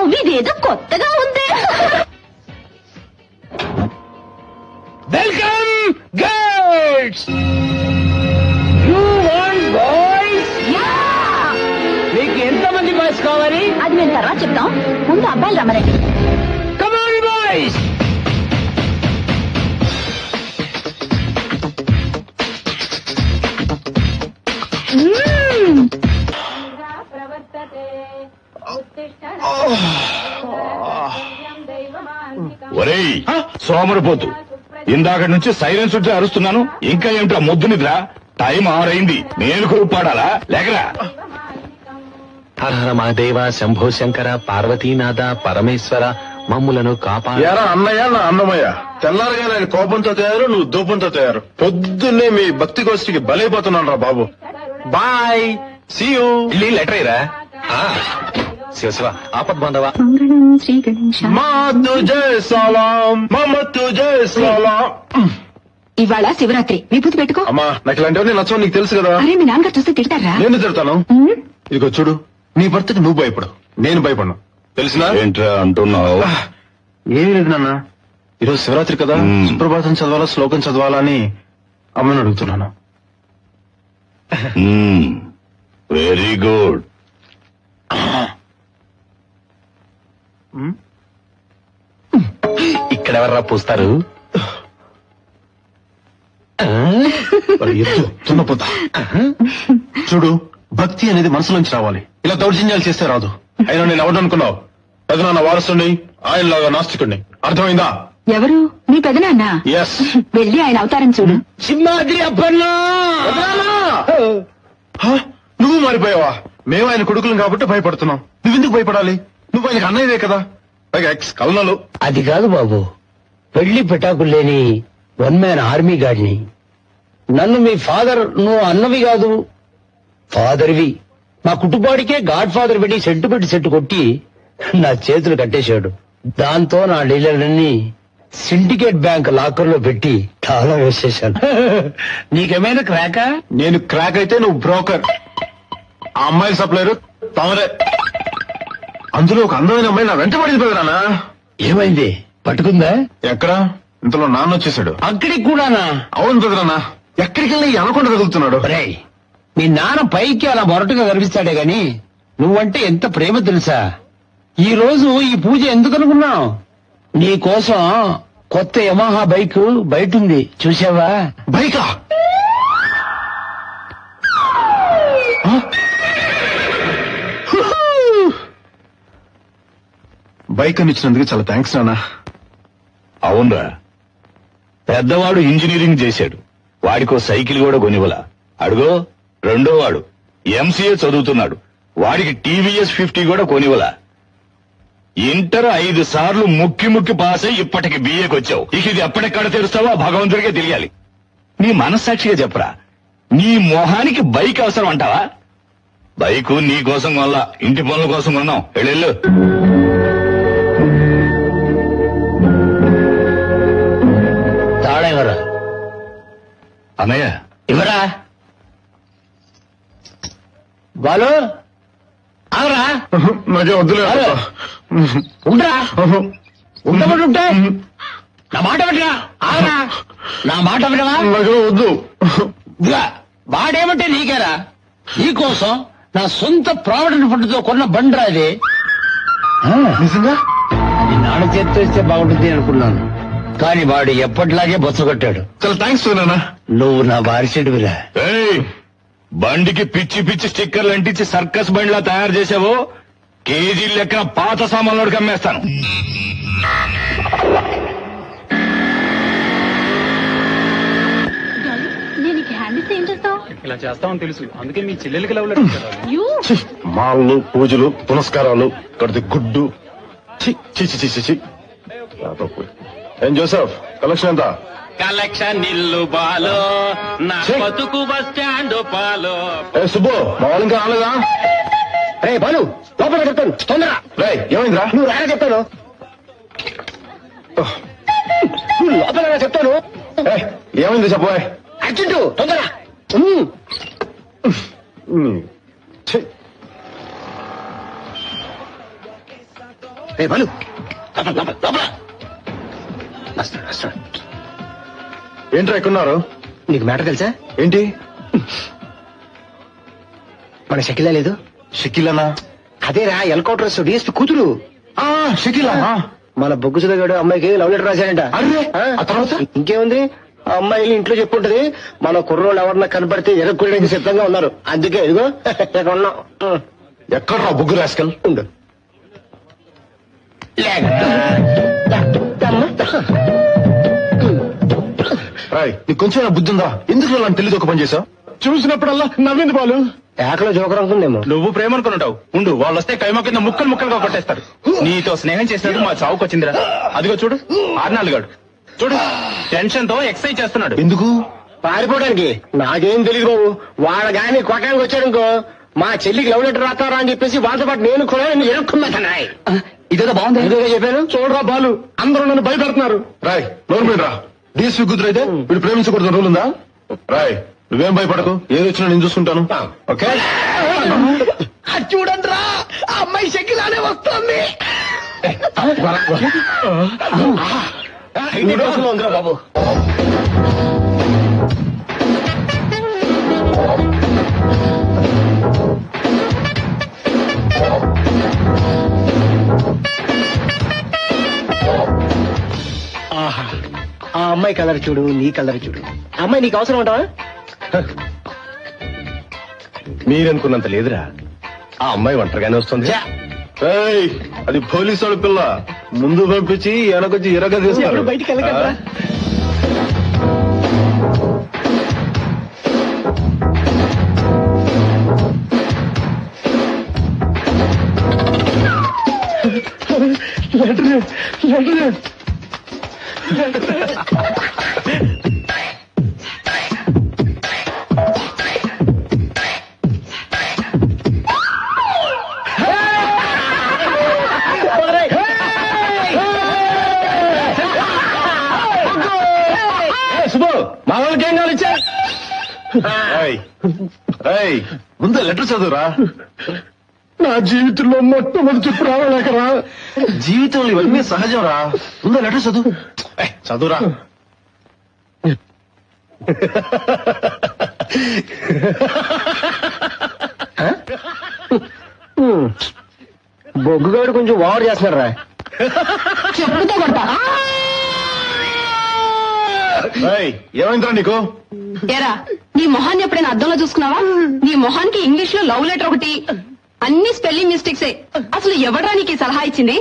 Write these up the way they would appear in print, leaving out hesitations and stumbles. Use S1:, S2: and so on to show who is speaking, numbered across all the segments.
S1: ఇదేదో కొత్తగా ఉంది.
S2: Welcome girls. You want boys? మీకు ఎంతమంది బాయ్స్ కావాలి?
S1: అది మేము తర్వాత చెప్తాం, ముందు అబ్బాయిలు రమ్మరండి.
S2: Come on boys.
S3: ఒరేయ్ సోమరిపోతు, ఇందాక నుంచి సైలెన్స్ ఉంటే అరుస్తున్నాను, ఇంకా ఏమిటా మొద్దు నిద్ర? టైం 6 అయింది, నేను కొరుపాడాలా? లేకరా.
S4: హర హర మహాదేవ, శంభో శంకర, పార్వతీనాథ, పరమేశ్వర, మమ్ములను
S5: యారా అన్నయ్య, నా అన్నమయ్య. తెల్లారగా నేను కోపంతో తయారు, నువ్వు దూపంతో తయారు. పొద్దున్నే మీ భక్తి గోష్ఠికి బలైపోతున్నాను రా బాబు.
S4: Bye, see you. Later Ira. Shiva Shiva, ఆపద్ బాంధవ.
S1: శ్రీ గణేశ.
S5: మా తుజే సలాం, మమ తుజే సలాం.
S1: ఇవాళ శివరాత్రి, విభూతి పెట్టుకో.
S5: అమ్మా, నాకు ఇలాంటివన్నీ నచ్చవు, నీకు తెలుసు కదా.
S1: అరే, మీ నాన్నగారు చూస్తే తిడతారా?
S5: నేను తిడతాను. ఇదిగో చూడు, నీ భర్తకి నువ్వు భయపడు, నేను భయపడను, తెలిసినా?
S3: ఏంట్రా అంటున్నావు?
S5: ఏమీ లేదు నాన్న, ఈరోజు శివరాత్రి కదా, సుప్రభాతం చదవాలా, శ్లోకం చదవాలా అని అమ్మని అడుగుతున్నాను.
S3: Very good.
S4: ఇక్కడెవర్రా పూస్తారు?
S5: తున్నపోతా. చూడు, భక్తి అనేది మనసులోంచి రావాలి, ఇలా దౌర్జన్యాలు చేస్తే రాదు. అయినా నేను ఎవరు అనుకున్నావు? పెదనాన్న వారసుని, ఆయనలాగా నాస్తికుడిని, అర్థమైందా?
S1: ఎవరు? మీ పెదనాన్న?
S5: ఎస్.
S1: వెళ్ళి ఆయన అవతారం చూడు.
S2: సింహాద్రి అప్పన్నా.
S5: నువ్వు మారిపోయావా? మేము ఆయన కొడుకులం కాబట్టి భయపడుతున్నాం, నువ్వెందుకు భయపడాలి? నువ్వు ఆయనకు అన్నయ్యవే కదా, పైగా ఎక్స్ కల్నలు.
S2: అది కాదు బాబు, పెళ్లి పెటాకులు లేని 1 మ్యాన్ ఆర్మీ గాడిని. నన్ను మీ ఫాదర్, నువ్వు అన్నవి కాదు ఫాదర్వి. మా కుటుంబానికే గాడ్ ఫాదర్ పెట్టి సెట్ కొట్టి నా చేతులు కట్టేశాడు. దాంతో నా డీలర్లన్నీ సిండికేట్ బ్యాంక్ లాకర్ లో పెట్టి తాళం వేసేశాను. నీకేమైనా క్రాకా?
S5: నేను క్రాక్ అయితే నువ్వు బ్రోకర్, ఆ అమ్మాయిల సప్లైరు తమరే. అందులో ఒక అందమైన అమ్మాయి నా వెంట పడింది పెదనాన్న.
S2: ఏమైంది? పట్టుకుందా?
S5: ఎక్కడ? ఇంతలో నాన్న వచ్చేసాడు.
S2: అక్కడికి కూడానా?
S5: అవును పెదనాన్న, ఎక్కడికి వెళ్ళి అనకుండా తగులుతున్నాడు.
S2: ఒరేయ్, మీ నాన్న పైకి అలా మొరటుగా కనిపిస్తాడే గాని నువ్వంటే ఎంత ప్రేమ తెలుసా? ఈ రోజు ఈ పూజ ఎందుకు అనుకున్నావు? నీ కోసం కొత్త యమహా బైక్ బయట ఉంది, చూసావా?
S5: బైకా? బైక్ అని ఇచ్చినందుకు చాలా థ్యాంక్స్ నాన్న.
S3: అవునరా, పెద్దవాడు ఇంజనీరింగ్ చేశాడు, వాడికో సైకిల్ కూడా కొనివ్వలా. అడుగో రెండో వాడు ఎంసీఏ చదువుతున్నాడు, వాడికి టీవీఎస్ 50 కూడా కొనివ్వలా. ఇంటర్ 5 సార్లు ముక్కి పాస్ అయి ఇప్పటికి బిఏకి వచ్చావు. ఇక ఇది ఎప్పటిక్కడ తెరుస్తావో భగవంతుడికే తెలియాలి. నీ మనస్సాక్షిగా చెప్పరా, నీ మొహానికి బైక్ అవసరం అంటావా? బైకు నీ కోసం కొనలా, ఇంటి పనుల కోసం కొన్నాం. వెళ్ళు.
S2: తాళం ఎవరా?
S3: అన్నయ్య
S2: ఇవరా బాలు, ఆగరా.
S5: నాకే వద్దులే.
S2: ఉండరా, ఉండబడుంటే నా మాట వినరా. ఆగరా, నా మాట వినవా?
S5: నాకే వద్దు.
S2: ఇదిగా వాడేమంటే నీకేరా, నీకోసం నా సొంత ప్రావిడెంట్ ఫండ్తో కొన్న బండ్రా అది.
S5: నిజంగా?
S2: నీ నాన్న చేతితో ఇస్తే బాగుంటుంది అనుకున్నాను, కానీ వాడు ఎప్పటిలాగే బొచ్చగొట్టాడు.
S5: చాలా థ్యాంక్స్ నాన్న.
S2: నువ్వు నా వారిసేడువిరా.
S3: ఏయ్, బండికి పిచ్చి స్టిక్కర్లు అంటించి సర్కస్ బండిలా తయారు చేసావో కేజీ లెక్కన పాత సామాన్లోకి అమ్మేస్తాను.
S1: నేను హ్యాండ్ ఇస్తే ఏం చేస్తావు?
S6: ఇలా చేస్తామని తెలుసు, అందుకే మీ చెల్లెలకి లవ్ లెటర్ ఇచ్చారు.
S5: మాళ్ళు, పూజలు, పునస్కారాలు, కడితే గుడ్డు. చి చి చి చి చి. ఏం జోసెఫ్, కలెక్షన్ ఎంత?
S4: కలెక్షన్ ఇల్లు బాలో, నా బతుకు బస్ స్టాండ్ పాలో.
S5: ఏ సుబ్బు, మా వాళ్ళు ఇంకా రాలేదా?
S2: రే బాలు, లోపల చెప్తాను, తొందర.
S5: రే ఏమైందిరా?
S2: నువ్వు రాగా చెప్తాను, నువ్వు లోపల చెప్తాను.
S5: ఏమైంది చెప్పబోయ్?
S2: అర్జెంటు, తొందర. రే బాలు
S5: ఏంట్రా ఎక్కున్నారు?
S2: నీకు మ్యాటర్ తెలుసా?
S5: ఏంటి?
S2: మన షకిలా లేదు?
S5: షకీలనా?
S2: అదేరా ఎల్కౌంటర్ డిఎస్పీ కూతురు.
S5: షకీలా?
S2: మన బొగ్గు సుధగాడు అమ్మాయికి లవ్ లెటర్ రాశాడంట.
S5: అరే, ఆ తర్వాత?
S2: ఇంకేముంది, ఆ అమ్మాయి ఇంట్లో చెప్పుంటది మన కుర్రోళ్ళు ఎవరన్నా కనపడితే ఎరగొట్టడానికి సిద్ధంగా ఉన్నారు. అందుకే ఇదిగో ఇక్కడ ఉన్నాం.
S5: ఎక్కడ్రా బుగ్గు రాస్కల్?
S2: ఉండు.
S5: నీకు కొంచెం బుద్ధి ఉందా? ఎందుకు నన్ను తెలియదు ఒక పని చేసావు? చూసినప్పుడల్లా నవ్వింది బాలు.
S2: ఏకలో జోకర్ అనుకుందేమో.
S6: నువ్వు ప్రేమ అనుకుంటావు. ఉండు, వాళ్ళు వస్తే కైమా కింద ముక్కలు ముక్కలుగా కొట్టేస్తారు. నీతో స్నేహం చేసినట్టు మా చావుకు వచ్చిందిరా. అదిగో చూడు, ఆర్నాల్గాడు చూడు, టెన్షన్ తో ఎక్సర్సైజ్ చేస్తున్నాడు.
S5: ఎందుకు?
S2: పారిపోవడానికి. నాకేం తెలియదు బాబు. వాళ్ళ గాని కొట్టడానికి వచ్చాడుకో మా చెల్లికి లవ్ లెటర్ రాస్తారా అని చెప్పేసి వాళ్ళతో పాటు నేను కూడా ఎరుక్కున్నాయి.
S6: ఇదేదో బాగుంది.
S2: ఎందుకు చెప్పాను?
S5: చూడరా బాలు, అందరూ నన్ను భయపెడుతున్నారు. రాయ్ నోరు మీద రా. డిఎస్పీ కూతురు అయితే వీడు ప్రేమించకూడదు రూల్ ఉందా? రాయ్ నువ్వేం భయపడకు, ఏది వచ్చినా నేను చూసుకుంటాను. ఓకే?
S2: చూడండి రా, ఆ అమ్మాయి షకిలానే వస్తుంది. ఉందిరా బాబు. ఆహా, ఆ అమ్మాయి కలర్ చూడు, నీ కలర్ చూడు. ఆ అమ్మాయి నీకు అవసరం ఉంటావా?
S5: మీరనుకున్నంత లేదురా. ఆ అమ్మాయి ఒంటరిగానే వస్తుంది. ఏయ్, అది పోలీసు వాడి పిల్ల. ముందు పంపించి వెనకొచ్చి ఎరగ తీస్తారు.
S2: బయటికి వెళ్ళగలరా?
S5: శుభు, మా వాళ్ళకి ఏం కావాలి ఇచ్చా? ముందు లెటర్ చదువురా. నా జీవితంలో మొట్టమొదటి రావలేకరా. జీవితంలో ఇవన్నీ సహజం రా. ముందు లెటర్ చదువు. చదువురా.
S2: బొగ్గుగాడు కొంచెం ఓవర్ చేస్తున్నారా?
S1: చెప్పుతో కొడతా.
S5: ఏమైందిరా నీకు?
S1: ఏరా, నీ మొహాన్ని ఎప్పుడైనా అద్దంలో చూసుకున్నావా? నీ మొహానికి ఇంగ్లీష్ లో లవ్ లెటర్ ఒకటి, అన్ని స్పెల్లింగ్ మిస్టేక్సే. అసలు ఎవడ్రా నీకు ఈ సలహా ఇచ్చింది?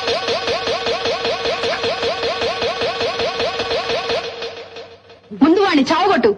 S1: ముందు వాడిని చావగొట్టు.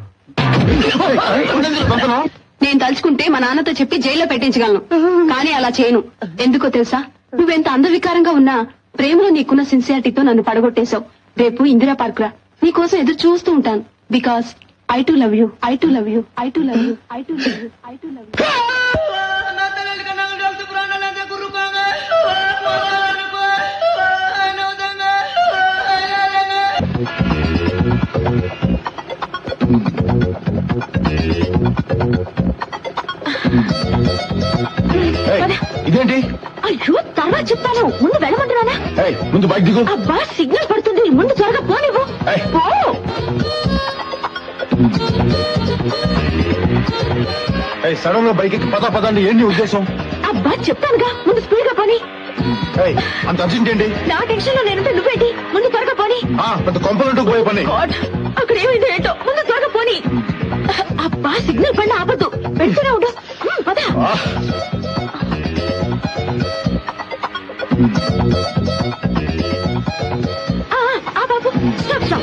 S1: నేను తలుచుకుంటే మా నాన్నతో చెప్పి జైల్లో పెట్టించగలను, కానీ అలా చేయను. ఎందుకో తెలుసా? నువ్వెంత అందవికారంగా ఉన్నా ప్రేమలో నీకున్న సిన్సియారిటీతో నన్ను పడగొట్టేశావు. రేపు ఇందిరా పార్క్ రా, నీకోసం ఎదురు చూస్తూ ఉంటాను. Because I too love you, I too love you, I too love you, I too love you, I too love you.
S5: ఇదేంటి?
S1: అయ్యో, తర్వాత చెప్తాను, ముందు వెళ్ళమంటున్నానా?
S5: ముందు బైక్ దిగు.
S1: అబ్బా, సిగ్నల్ పడుతుంది, ముందు త్వరగా పోనివ్వు. పో.
S5: సడన్ గా బైక్ ఎక్కి పదండి. ఏంటి ఉద్దేశం?
S1: అబ్బా, చెప్తానుగా, ముందు స్పీడ్ గా పోని.
S5: అంత అర్జెంట్ ఏంటి?
S1: నా టెన్షన్ లో నేనుంటే నువ్వేంటి? ముందు త్వరగా పోని.
S5: పెద్ద కొంపలంటూ పోయే పని.
S1: గాడ్, అక్కడ ఏమైందో ఏంటో, ముందు త్వరగా పోని. అబ్బా, సిగ్నల్ పడిన ఆపద్దు, పెడుతూనే ఉండు. పద. బాబు, స్టాప్ స్టాప్.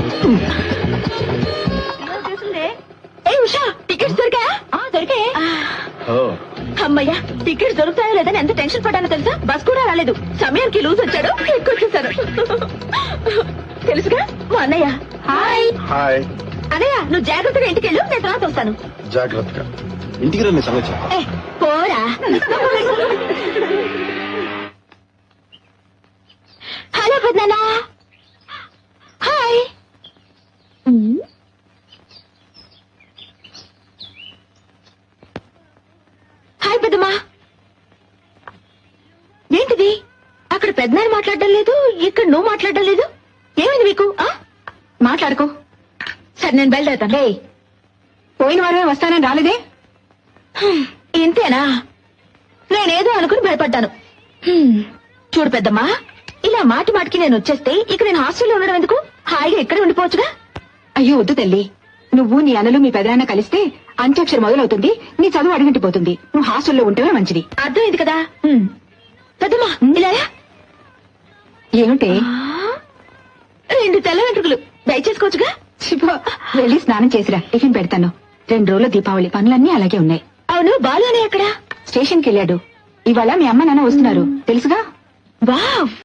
S1: ఏ ఉషా, టికెట్స్ దొరికా? దొరికాయి. అమ్మయ్యా, టికెట్స్ దొరుకుతాయో లేదని ఎంత టెన్షన్ పడ్డానో తెలుసా? బస్ కూడా రాలేదు, సమయానికి లూజ్ వచ్చాడు, ఎక్కువచ్చేసారు. తెలుసుగా మా అన్నయ్య. హాయ్.
S5: హాయ్
S1: అన్నయ్య, నువ్వు జాగ్రత్తగా ఇంటికి వెళ్ళు, నేను తర్వాత వస్తాను.
S5: జాగ్రత్తగా ఇంటికి రండి. సంగతి
S1: పోరా. హలో పెద్దనా. హాయ్. హాయ్ పెద్దమ్మా. ఏంటిది?
S7: అక్కడ పెద్దనాన్న మాట్లాడడం లేదు, ఇక్కడ నువ్వు మాట్లాడడం లేదు. ఏమైంది మీకు?
S1: మాట్లాడుకో.
S7: సరే నేను బయలుదేరుతాను.
S1: రే, పోయిన వారమే వస్తానని రాలేదే?
S7: ఇంతేనా? నేనేదో అనుకుని భయపడ్డాను. చూడు పెద్దమ్మా, ఇలా మాటి మాటికి నేను వచ్చేస్తే ఇక నేను హాస్టల్లో ఉండడం ఎందుకు? హాయిగా ఇక్కడే ఉండిపోవచ్చుగా.
S1: అయ్యో వద్దు తల్లి, నువ్వు నీ అన్నలు మీ పెదనాన్న కలిస్తే అంత్యాక్షరి మొదలవుతుంది, నీ చదువు అడిగంటిపోతుంది. నువ్వు హాస్టల్లో ఉంటేనే మంచిది.
S7: అర్థమైంది కదా? పెద్దమ్మా ఇలా రా.
S1: ఏమిటే?
S7: 2 తెల్ల వెంట్రుకలు దయచేసుకోవచ్చుగా.
S1: శివ, వెళ్ళి స్నానం చేసిరా, టిఫిన్ పెడతాను. 2 రోజుల దీపావళి పనులన్నీ అలాగే ఉన్నాయి.
S7: అవును, బాలు అనే ఎక్కడా?
S1: స్టేషన్కి వెళ్ళాడు. ఇవాళ మీ అమ్మ నాన్న వస్తున్నారు తెలుసుగా.
S7: వావ్.